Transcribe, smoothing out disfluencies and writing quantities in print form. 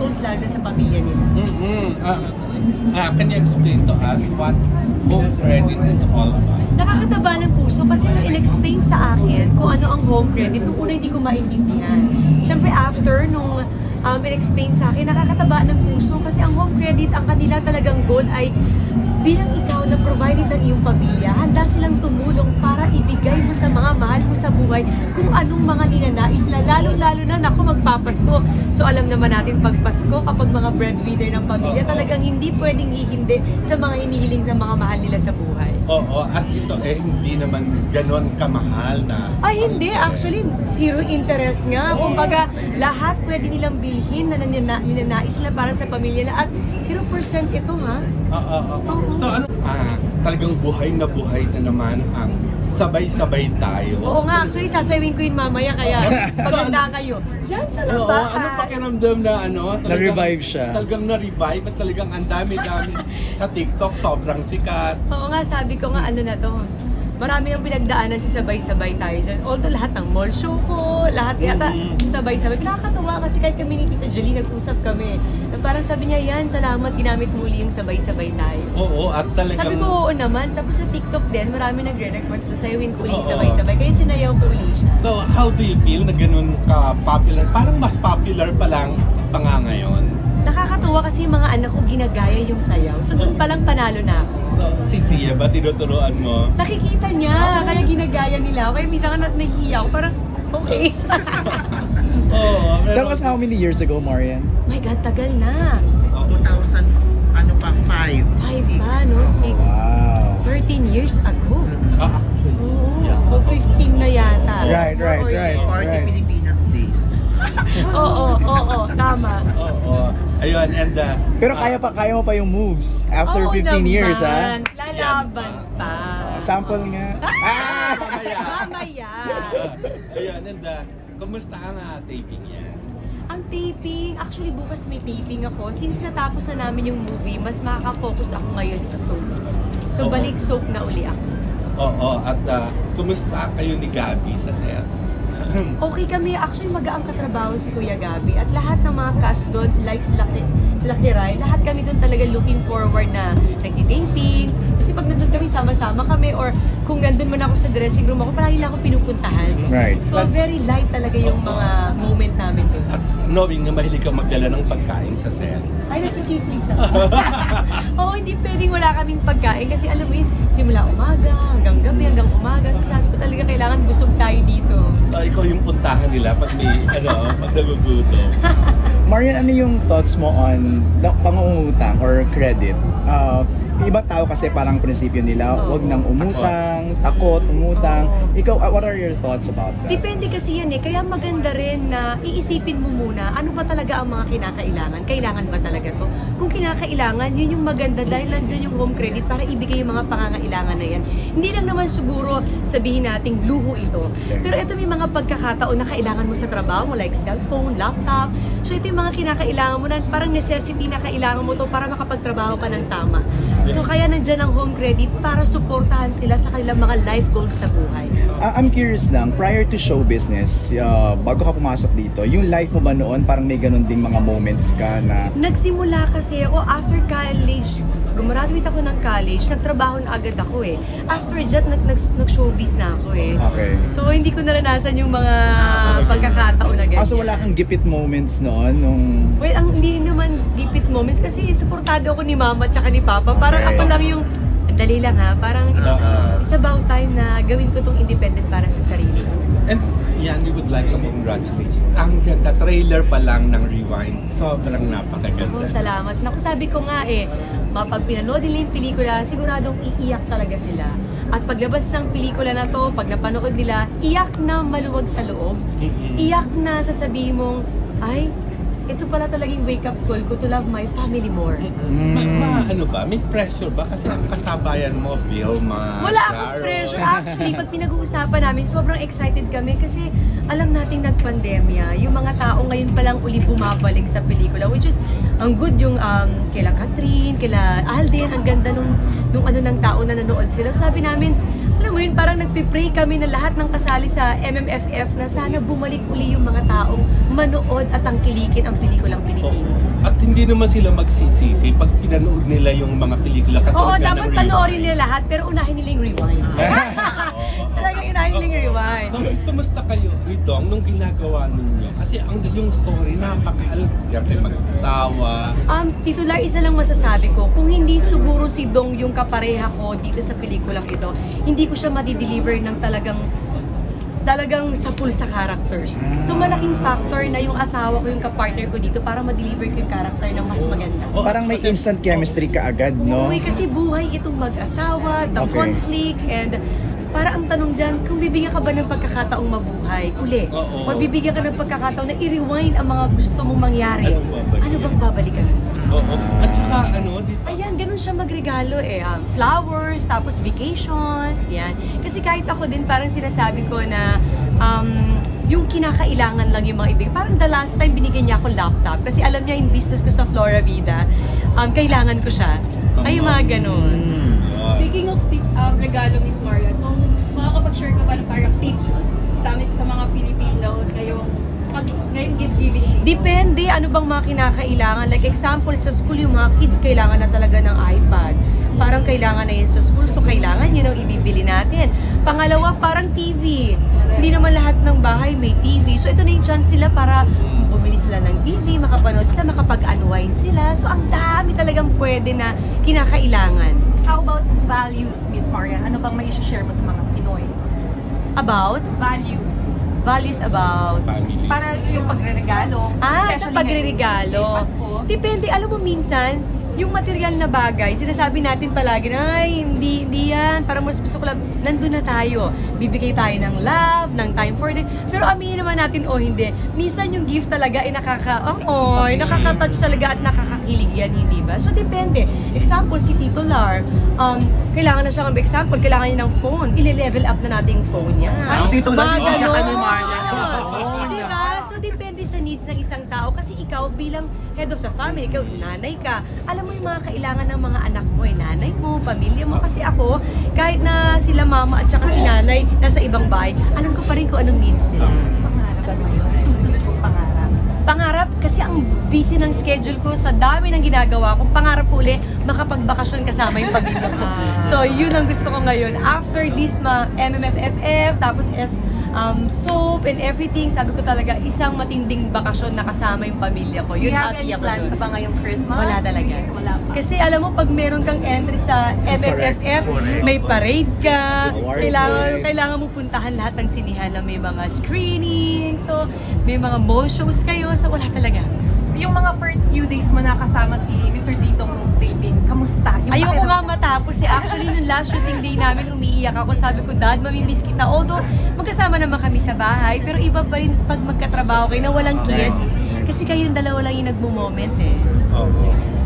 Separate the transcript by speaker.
Speaker 1: close lalo na sa pamilya nila.
Speaker 2: Can you explain to us what home credit is all about?
Speaker 1: Nakakataba ng puso kasi nung in-explain sa akin kung ano ang home credit, nung una hindi ko maintindihan. Siyempre after nung in-explain sa akin, nakakataba ng puso kasi ang home credit, ang kanila talagang goal ay bilang ikaw na provided ng iyong pamilya, handa silang tumulong para ibigay mo sa mga mahal mo sa buhay kung anong mga ninanais na lalo-lalo na naku magpapasko. So alam naman natin pag Pasko, kapag mga breadwinner ng pamilya, talagang hindi pwedeng ihindi sa mga hinihiling ng mga mahal nila sa buhay.
Speaker 2: Oo, at ito hindi naman ganon kamahal na...
Speaker 1: Ay hindi, actually zero interest nga. Kumbaga lahat pwede nilang bilhin na ninanais nila para sa pamilya na at 0% ito ha.
Speaker 2: So ano, talagang buhay na naman ang sabay-sabay tayo.
Speaker 1: Oo nga, actually sasawin ko yun mamaya kaya paganda kayo. Diyan sa labahan.
Speaker 2: Ano pakiramdam na
Speaker 3: Na-revive siya.
Speaker 2: Talagang na-revive at talagang ang dami-dami sa TikTok, sobrang sikat.
Speaker 1: Oo nga, sabi ko nga ano na to. Marami nang pinagdaanan si sabay-sabay tayo dyan. Although lahat ng mall show ko, lahat yata sabay-sabay. Nakakatawa kasi kahit kami ni Tita Jolie nag-usap kami. Na parang sabi niya, yan, salamat, ginamit mo uli yung sabay-sabay tayo.
Speaker 2: Oo, at talagang...
Speaker 1: Sabi ko, oo naman. Tapos sa TikTok din, marami nagre-request na sayawin ko uli yung sabay-sabay. Kaya sinayaw ko uli siya.
Speaker 2: So, how do you feel na ganun ka-popular? Parang mas popular pa lang pa nga ngayon.
Speaker 1: Nakakatuwa kasi yung mga anak ko ginagaya yung sayaw. So doon palang panalo na ako.
Speaker 2: So, si Sia ba tinuturuan mo?
Speaker 1: Nakikita niya, kaya ginagaya nila ako. Kaya minsan ka nahihiya ako, parang okay.
Speaker 2: Oo.
Speaker 3: That was how many years ago, Marian?
Speaker 1: My God, tagal na.
Speaker 4: 2000, ano pa, 5,
Speaker 1: 5 pa, no? 6.
Speaker 3: Wow.
Speaker 1: 13 years ago.
Speaker 2: Yeah.
Speaker 1: O 15 na yata.
Speaker 3: Right.
Speaker 4: Party Pilipinas days.
Speaker 1: Oo, tama.
Speaker 2: Oo. Ayun, and
Speaker 3: Pero kaya mo pa yung moves after
Speaker 1: Oo
Speaker 3: 15 years,
Speaker 1: naman.
Speaker 3: ha?
Speaker 1: Lalaban pa.
Speaker 3: Sample nga.
Speaker 1: Mamaya.
Speaker 2: ayun, and kumusta ang taping yan?
Speaker 1: Ang taping, actually bukas may taping ako. Since natapos na namin yung movie, mas makaka-focus ako ngayon sa soap. So
Speaker 2: Oo.
Speaker 1: balik soap na uli ako.
Speaker 2: Oo, at kumusta kayo ni Gabi sa set?
Speaker 1: Okay kami, actually magaang katrabaho si Kuya Gabi at lahat ng mga cast doon, sila Kiray, lahat kami doon talaga looking forward na nagtitaping. Kasi pag nandun kami, sama-sama kami or kung nandun man ako sa dressing room ako, palagi lang ako pinupuntahan.
Speaker 3: Right.
Speaker 1: So very light talaga yung mga moment namin doon.
Speaker 2: At knowing na mahilig ka magdala ng pagkain sa set.
Speaker 1: Ay, nagchichismis na. Oo, hindi pwedeng wala kaming pagkain kasi alam mo yun, simula umaga, hanggang gabi, hanggang umaga. So sabi ko talaga kailangan busog tayo dito.
Speaker 2: So, ikaw yung puntahan nila pag may, pag nagugutom.
Speaker 3: Marian, ano yung thoughts mo on pangungutang or credit? Ibang tao kasi parang prinsipyo nila, wag nang umutang, takot, umutang. Ikaw, what are your thoughts about that?
Speaker 1: Depende kasi yan eh. Kaya maganda rin na iisipin mo muna ano ba talaga ang mga kinakailangan. Kailangan ba talaga to? Kung kinakailangan, yun yung maganda dahil nandyan yung home credit para ibigay yung mga pangangailangan na yan. Hindi lang naman siguro sabihin nating luho ito. Pero ito may mga pagkakataon na kailangan mo sa trabaho mo like cellphone, laptop. So ito yung mga kinakailangan mo na parang necessity na kailangan mo to para makapagtrabaho ka ng tama. So kaya nandyan ang home credit para suportahan sila sa kanilang mga life goals sa buhay.
Speaker 3: I'm curious lang, prior to show business, bago ka pumasok dito, yung life mo ba noon parang may ganun ding mga moments ka na...
Speaker 1: Nagsimula kasi ako after college, gumraduate ako ng college, nagtrabaho na agad ako eh. After that, nag-showbiz na ako eh.
Speaker 3: Okay.
Speaker 1: So hindi ko naranasan yung mga pagkakataon na ganyan.
Speaker 3: So wala kang gipit moments noon nung...
Speaker 1: Well, ang hindi naman gipit moments kasi suportado ako ni mama at saka ni papa. Parang
Speaker 3: Okay.
Speaker 1: ako lang yung, dali lang ha, parang it's about time na gawin ko tong independent para sa sarili ko.
Speaker 2: And yan, we would like to congratulate you. Ang ganda, trailer pa lang ng Rewind. Sobrang napakaganda.
Speaker 1: Oh, salamat. Naku, sabi ko nga eh, pag pinanood nila yung pelikula, siguradong iiyak talaga sila. At paglabas ng pelikula na to, pag napanood nila, iyak na maluwag sa loob. Iyak na sasabihin mong, ay, ito pala talagang wake-up call ko to love my family more.
Speaker 2: Ano ba? May pressure ba? Kasi ang kasabayan mo, Vilma,
Speaker 1: Wala akong
Speaker 2: Sharon.
Speaker 1: pressure. Actually, pag pinag-uusapan namin, sobrang excited kami kasi alam nating nagpandemya. Yung mga tao ngayon palang uli bumabalik sa pelikula, which is, ang good yung kila Catherine, kila Alden, ang ganda nung ano ng tao na nanood sila. Sabi namin, alam mo yun, parang nagpipray kami na lahat ng kasali sa MMFF na sana bumalik uli yung mga taong manood at tangkilikin ang pelikulang Pilipino.
Speaker 2: hindi naman sila magsisisi pag pinanood nila yung mga pelikula
Speaker 1: Oo,
Speaker 2: katulad nga
Speaker 1: dapat
Speaker 2: ng
Speaker 1: panoorin
Speaker 2: Rewind.
Speaker 1: nila lahat, pero unahin nila yung rewind. Talaga unahin nila yung rewind.
Speaker 2: So, kumusta kayo, Ridong, nung ginagawa ninyo? Kasi yung story, siyempre mag-asawa.
Speaker 1: Titular, isa lang masasabi ko, kung hindi siguro si Dong yung kapareha ko dito sa pelikulang ito, hindi ko siya madi-deliver ng talagang sapul sa character. So malaking factor na yung asawa ko, yung kapartner ko dito para ma-deliver ko yung character ng mas maganda.
Speaker 3: Parang may instant chemistry ka agad, no?
Speaker 1: Uy, kasi buhay itong mag-asawa, the
Speaker 3: Okay.
Speaker 1: conflict, and para ang tanong dyan, kung bibigyan ka ba ng pagkakataong mabuhay uli?
Speaker 2: Oo.
Speaker 1: O bibigyan ka ng pagkakataon na i-rewind ang mga gusto mong mangyari? Ano bang babalikan?
Speaker 2: Oo. At saka di ba?
Speaker 1: Ayan, ganun siya magregalo eh. Flowers, tapos vacation, yan. Kasi kahit ako din, parang sinasabi ko na yung kinakailangan lang yung mga ibig. Parang the last time binigyan niya ako laptop. Kasi alam niya yung business ko sa Flora Vida, kailangan ko siya. Ay, yung mga ganun.
Speaker 5: Speaking of regalo, Miss Marian, so makakapag-share ka ba ng parang tips sa amin, sa mga Filipinos ngayong gift-giving season?
Speaker 1: Depende, ano bang mga kinakailangan. Like example, sa school, yung mga kids kailangan na talaga ng iPad. Parang kailangan na yun sa school, so kailangan yun ang ibibili natin. Pangalawa, parang TV. Hindi naman lahat ng bahay may TV. So ito na yung chance sila para bumili sila ng TV, makapanood sila, makapag-unwind sila. So ang dami talagang pwede na kinakailangan.
Speaker 6: How about values, Miss Marian? Ano bang may share mo sa mga Pinoy?
Speaker 1: About values about
Speaker 2: Family.
Speaker 6: Para yung pagre-regalo.
Speaker 1: sa
Speaker 6: especially
Speaker 1: pagre-regalo.
Speaker 6: ngayong Pasko.
Speaker 1: Depende, alam mo minsan, yung material na bagay, sinasabi natin palagi na, ay, hindi yan, parang mas gusto ko lang, nandun na tayo. Bibigay tayo ng love, ng time for them. Pero aminin naman natin, hindi. Minsan yung gift talaga ay nakaka-touch talaga at nakakakilig yan, hindi ba? So, depende. Example, si Tito Lar, kailangan na siya ng example, kailangan niya ng phone. Ile-level up na natin yung phone niya.
Speaker 4: Ang Tito Lar,
Speaker 1: Mga
Speaker 4: iiyak ka ni
Speaker 1: ganon.
Speaker 4: Marian ng phone.
Speaker 1: Diba? So, depende sa needs ng isang tao. Kasi ikaw bilang head of the family, ikaw nanay ka, alam mo yung mga kailangan ng mga anak mo, nanay mo, pamilya mo. Kasi ako, kahit na sila mama at saka si nanay nasa ibang bahay, alam ko pa rin kung anong needs nila.
Speaker 6: Pangarap mo yun. Susunod kong pangarap.
Speaker 1: Pangarap, kasi ang busy ng schedule ko sa dami ng ginagawa ko, pangarap ko uli, makapagbakasyon kasama yung pamilya ko. So, yun ang gusto ko ngayon. After this, MMFFF, tapos soap and everything, sabi ko talaga, isang matinding bakasyon na kasama yung pamilya ko.
Speaker 6: Do you
Speaker 1: Yun,
Speaker 6: have
Speaker 1: happy
Speaker 6: any
Speaker 1: ako
Speaker 6: plans
Speaker 1: dun.
Speaker 6: na ba ngayong Christmas?
Speaker 1: Wala talaga.
Speaker 6: Wala pa.
Speaker 1: Kasi alam mo, pag meron kang entry sa MFFF,
Speaker 4: Correct.
Speaker 1: may parade ka,
Speaker 3: Awards
Speaker 1: kailangan mo puntahan lahat ng sinihan na may mga screening, so may mga mo shows kayo, so wala talaga.
Speaker 6: Yung mga first few days mo nakasama si Mr. Dito nung taping, kamusta? Yung
Speaker 1: Ayoko nga
Speaker 6: pakiramdam?
Speaker 1: matapos eh. Actually, nung last shooting day namin, umiiyak ako. Sabi ko, Dad, mamimiss kita. Although, magkasama naman kami sa bahay, pero iba pa rin pag magkatrabaho kayo na walang kids. Kasi kayong dalawa lang yung nagmo-moment eh.
Speaker 2: Oo.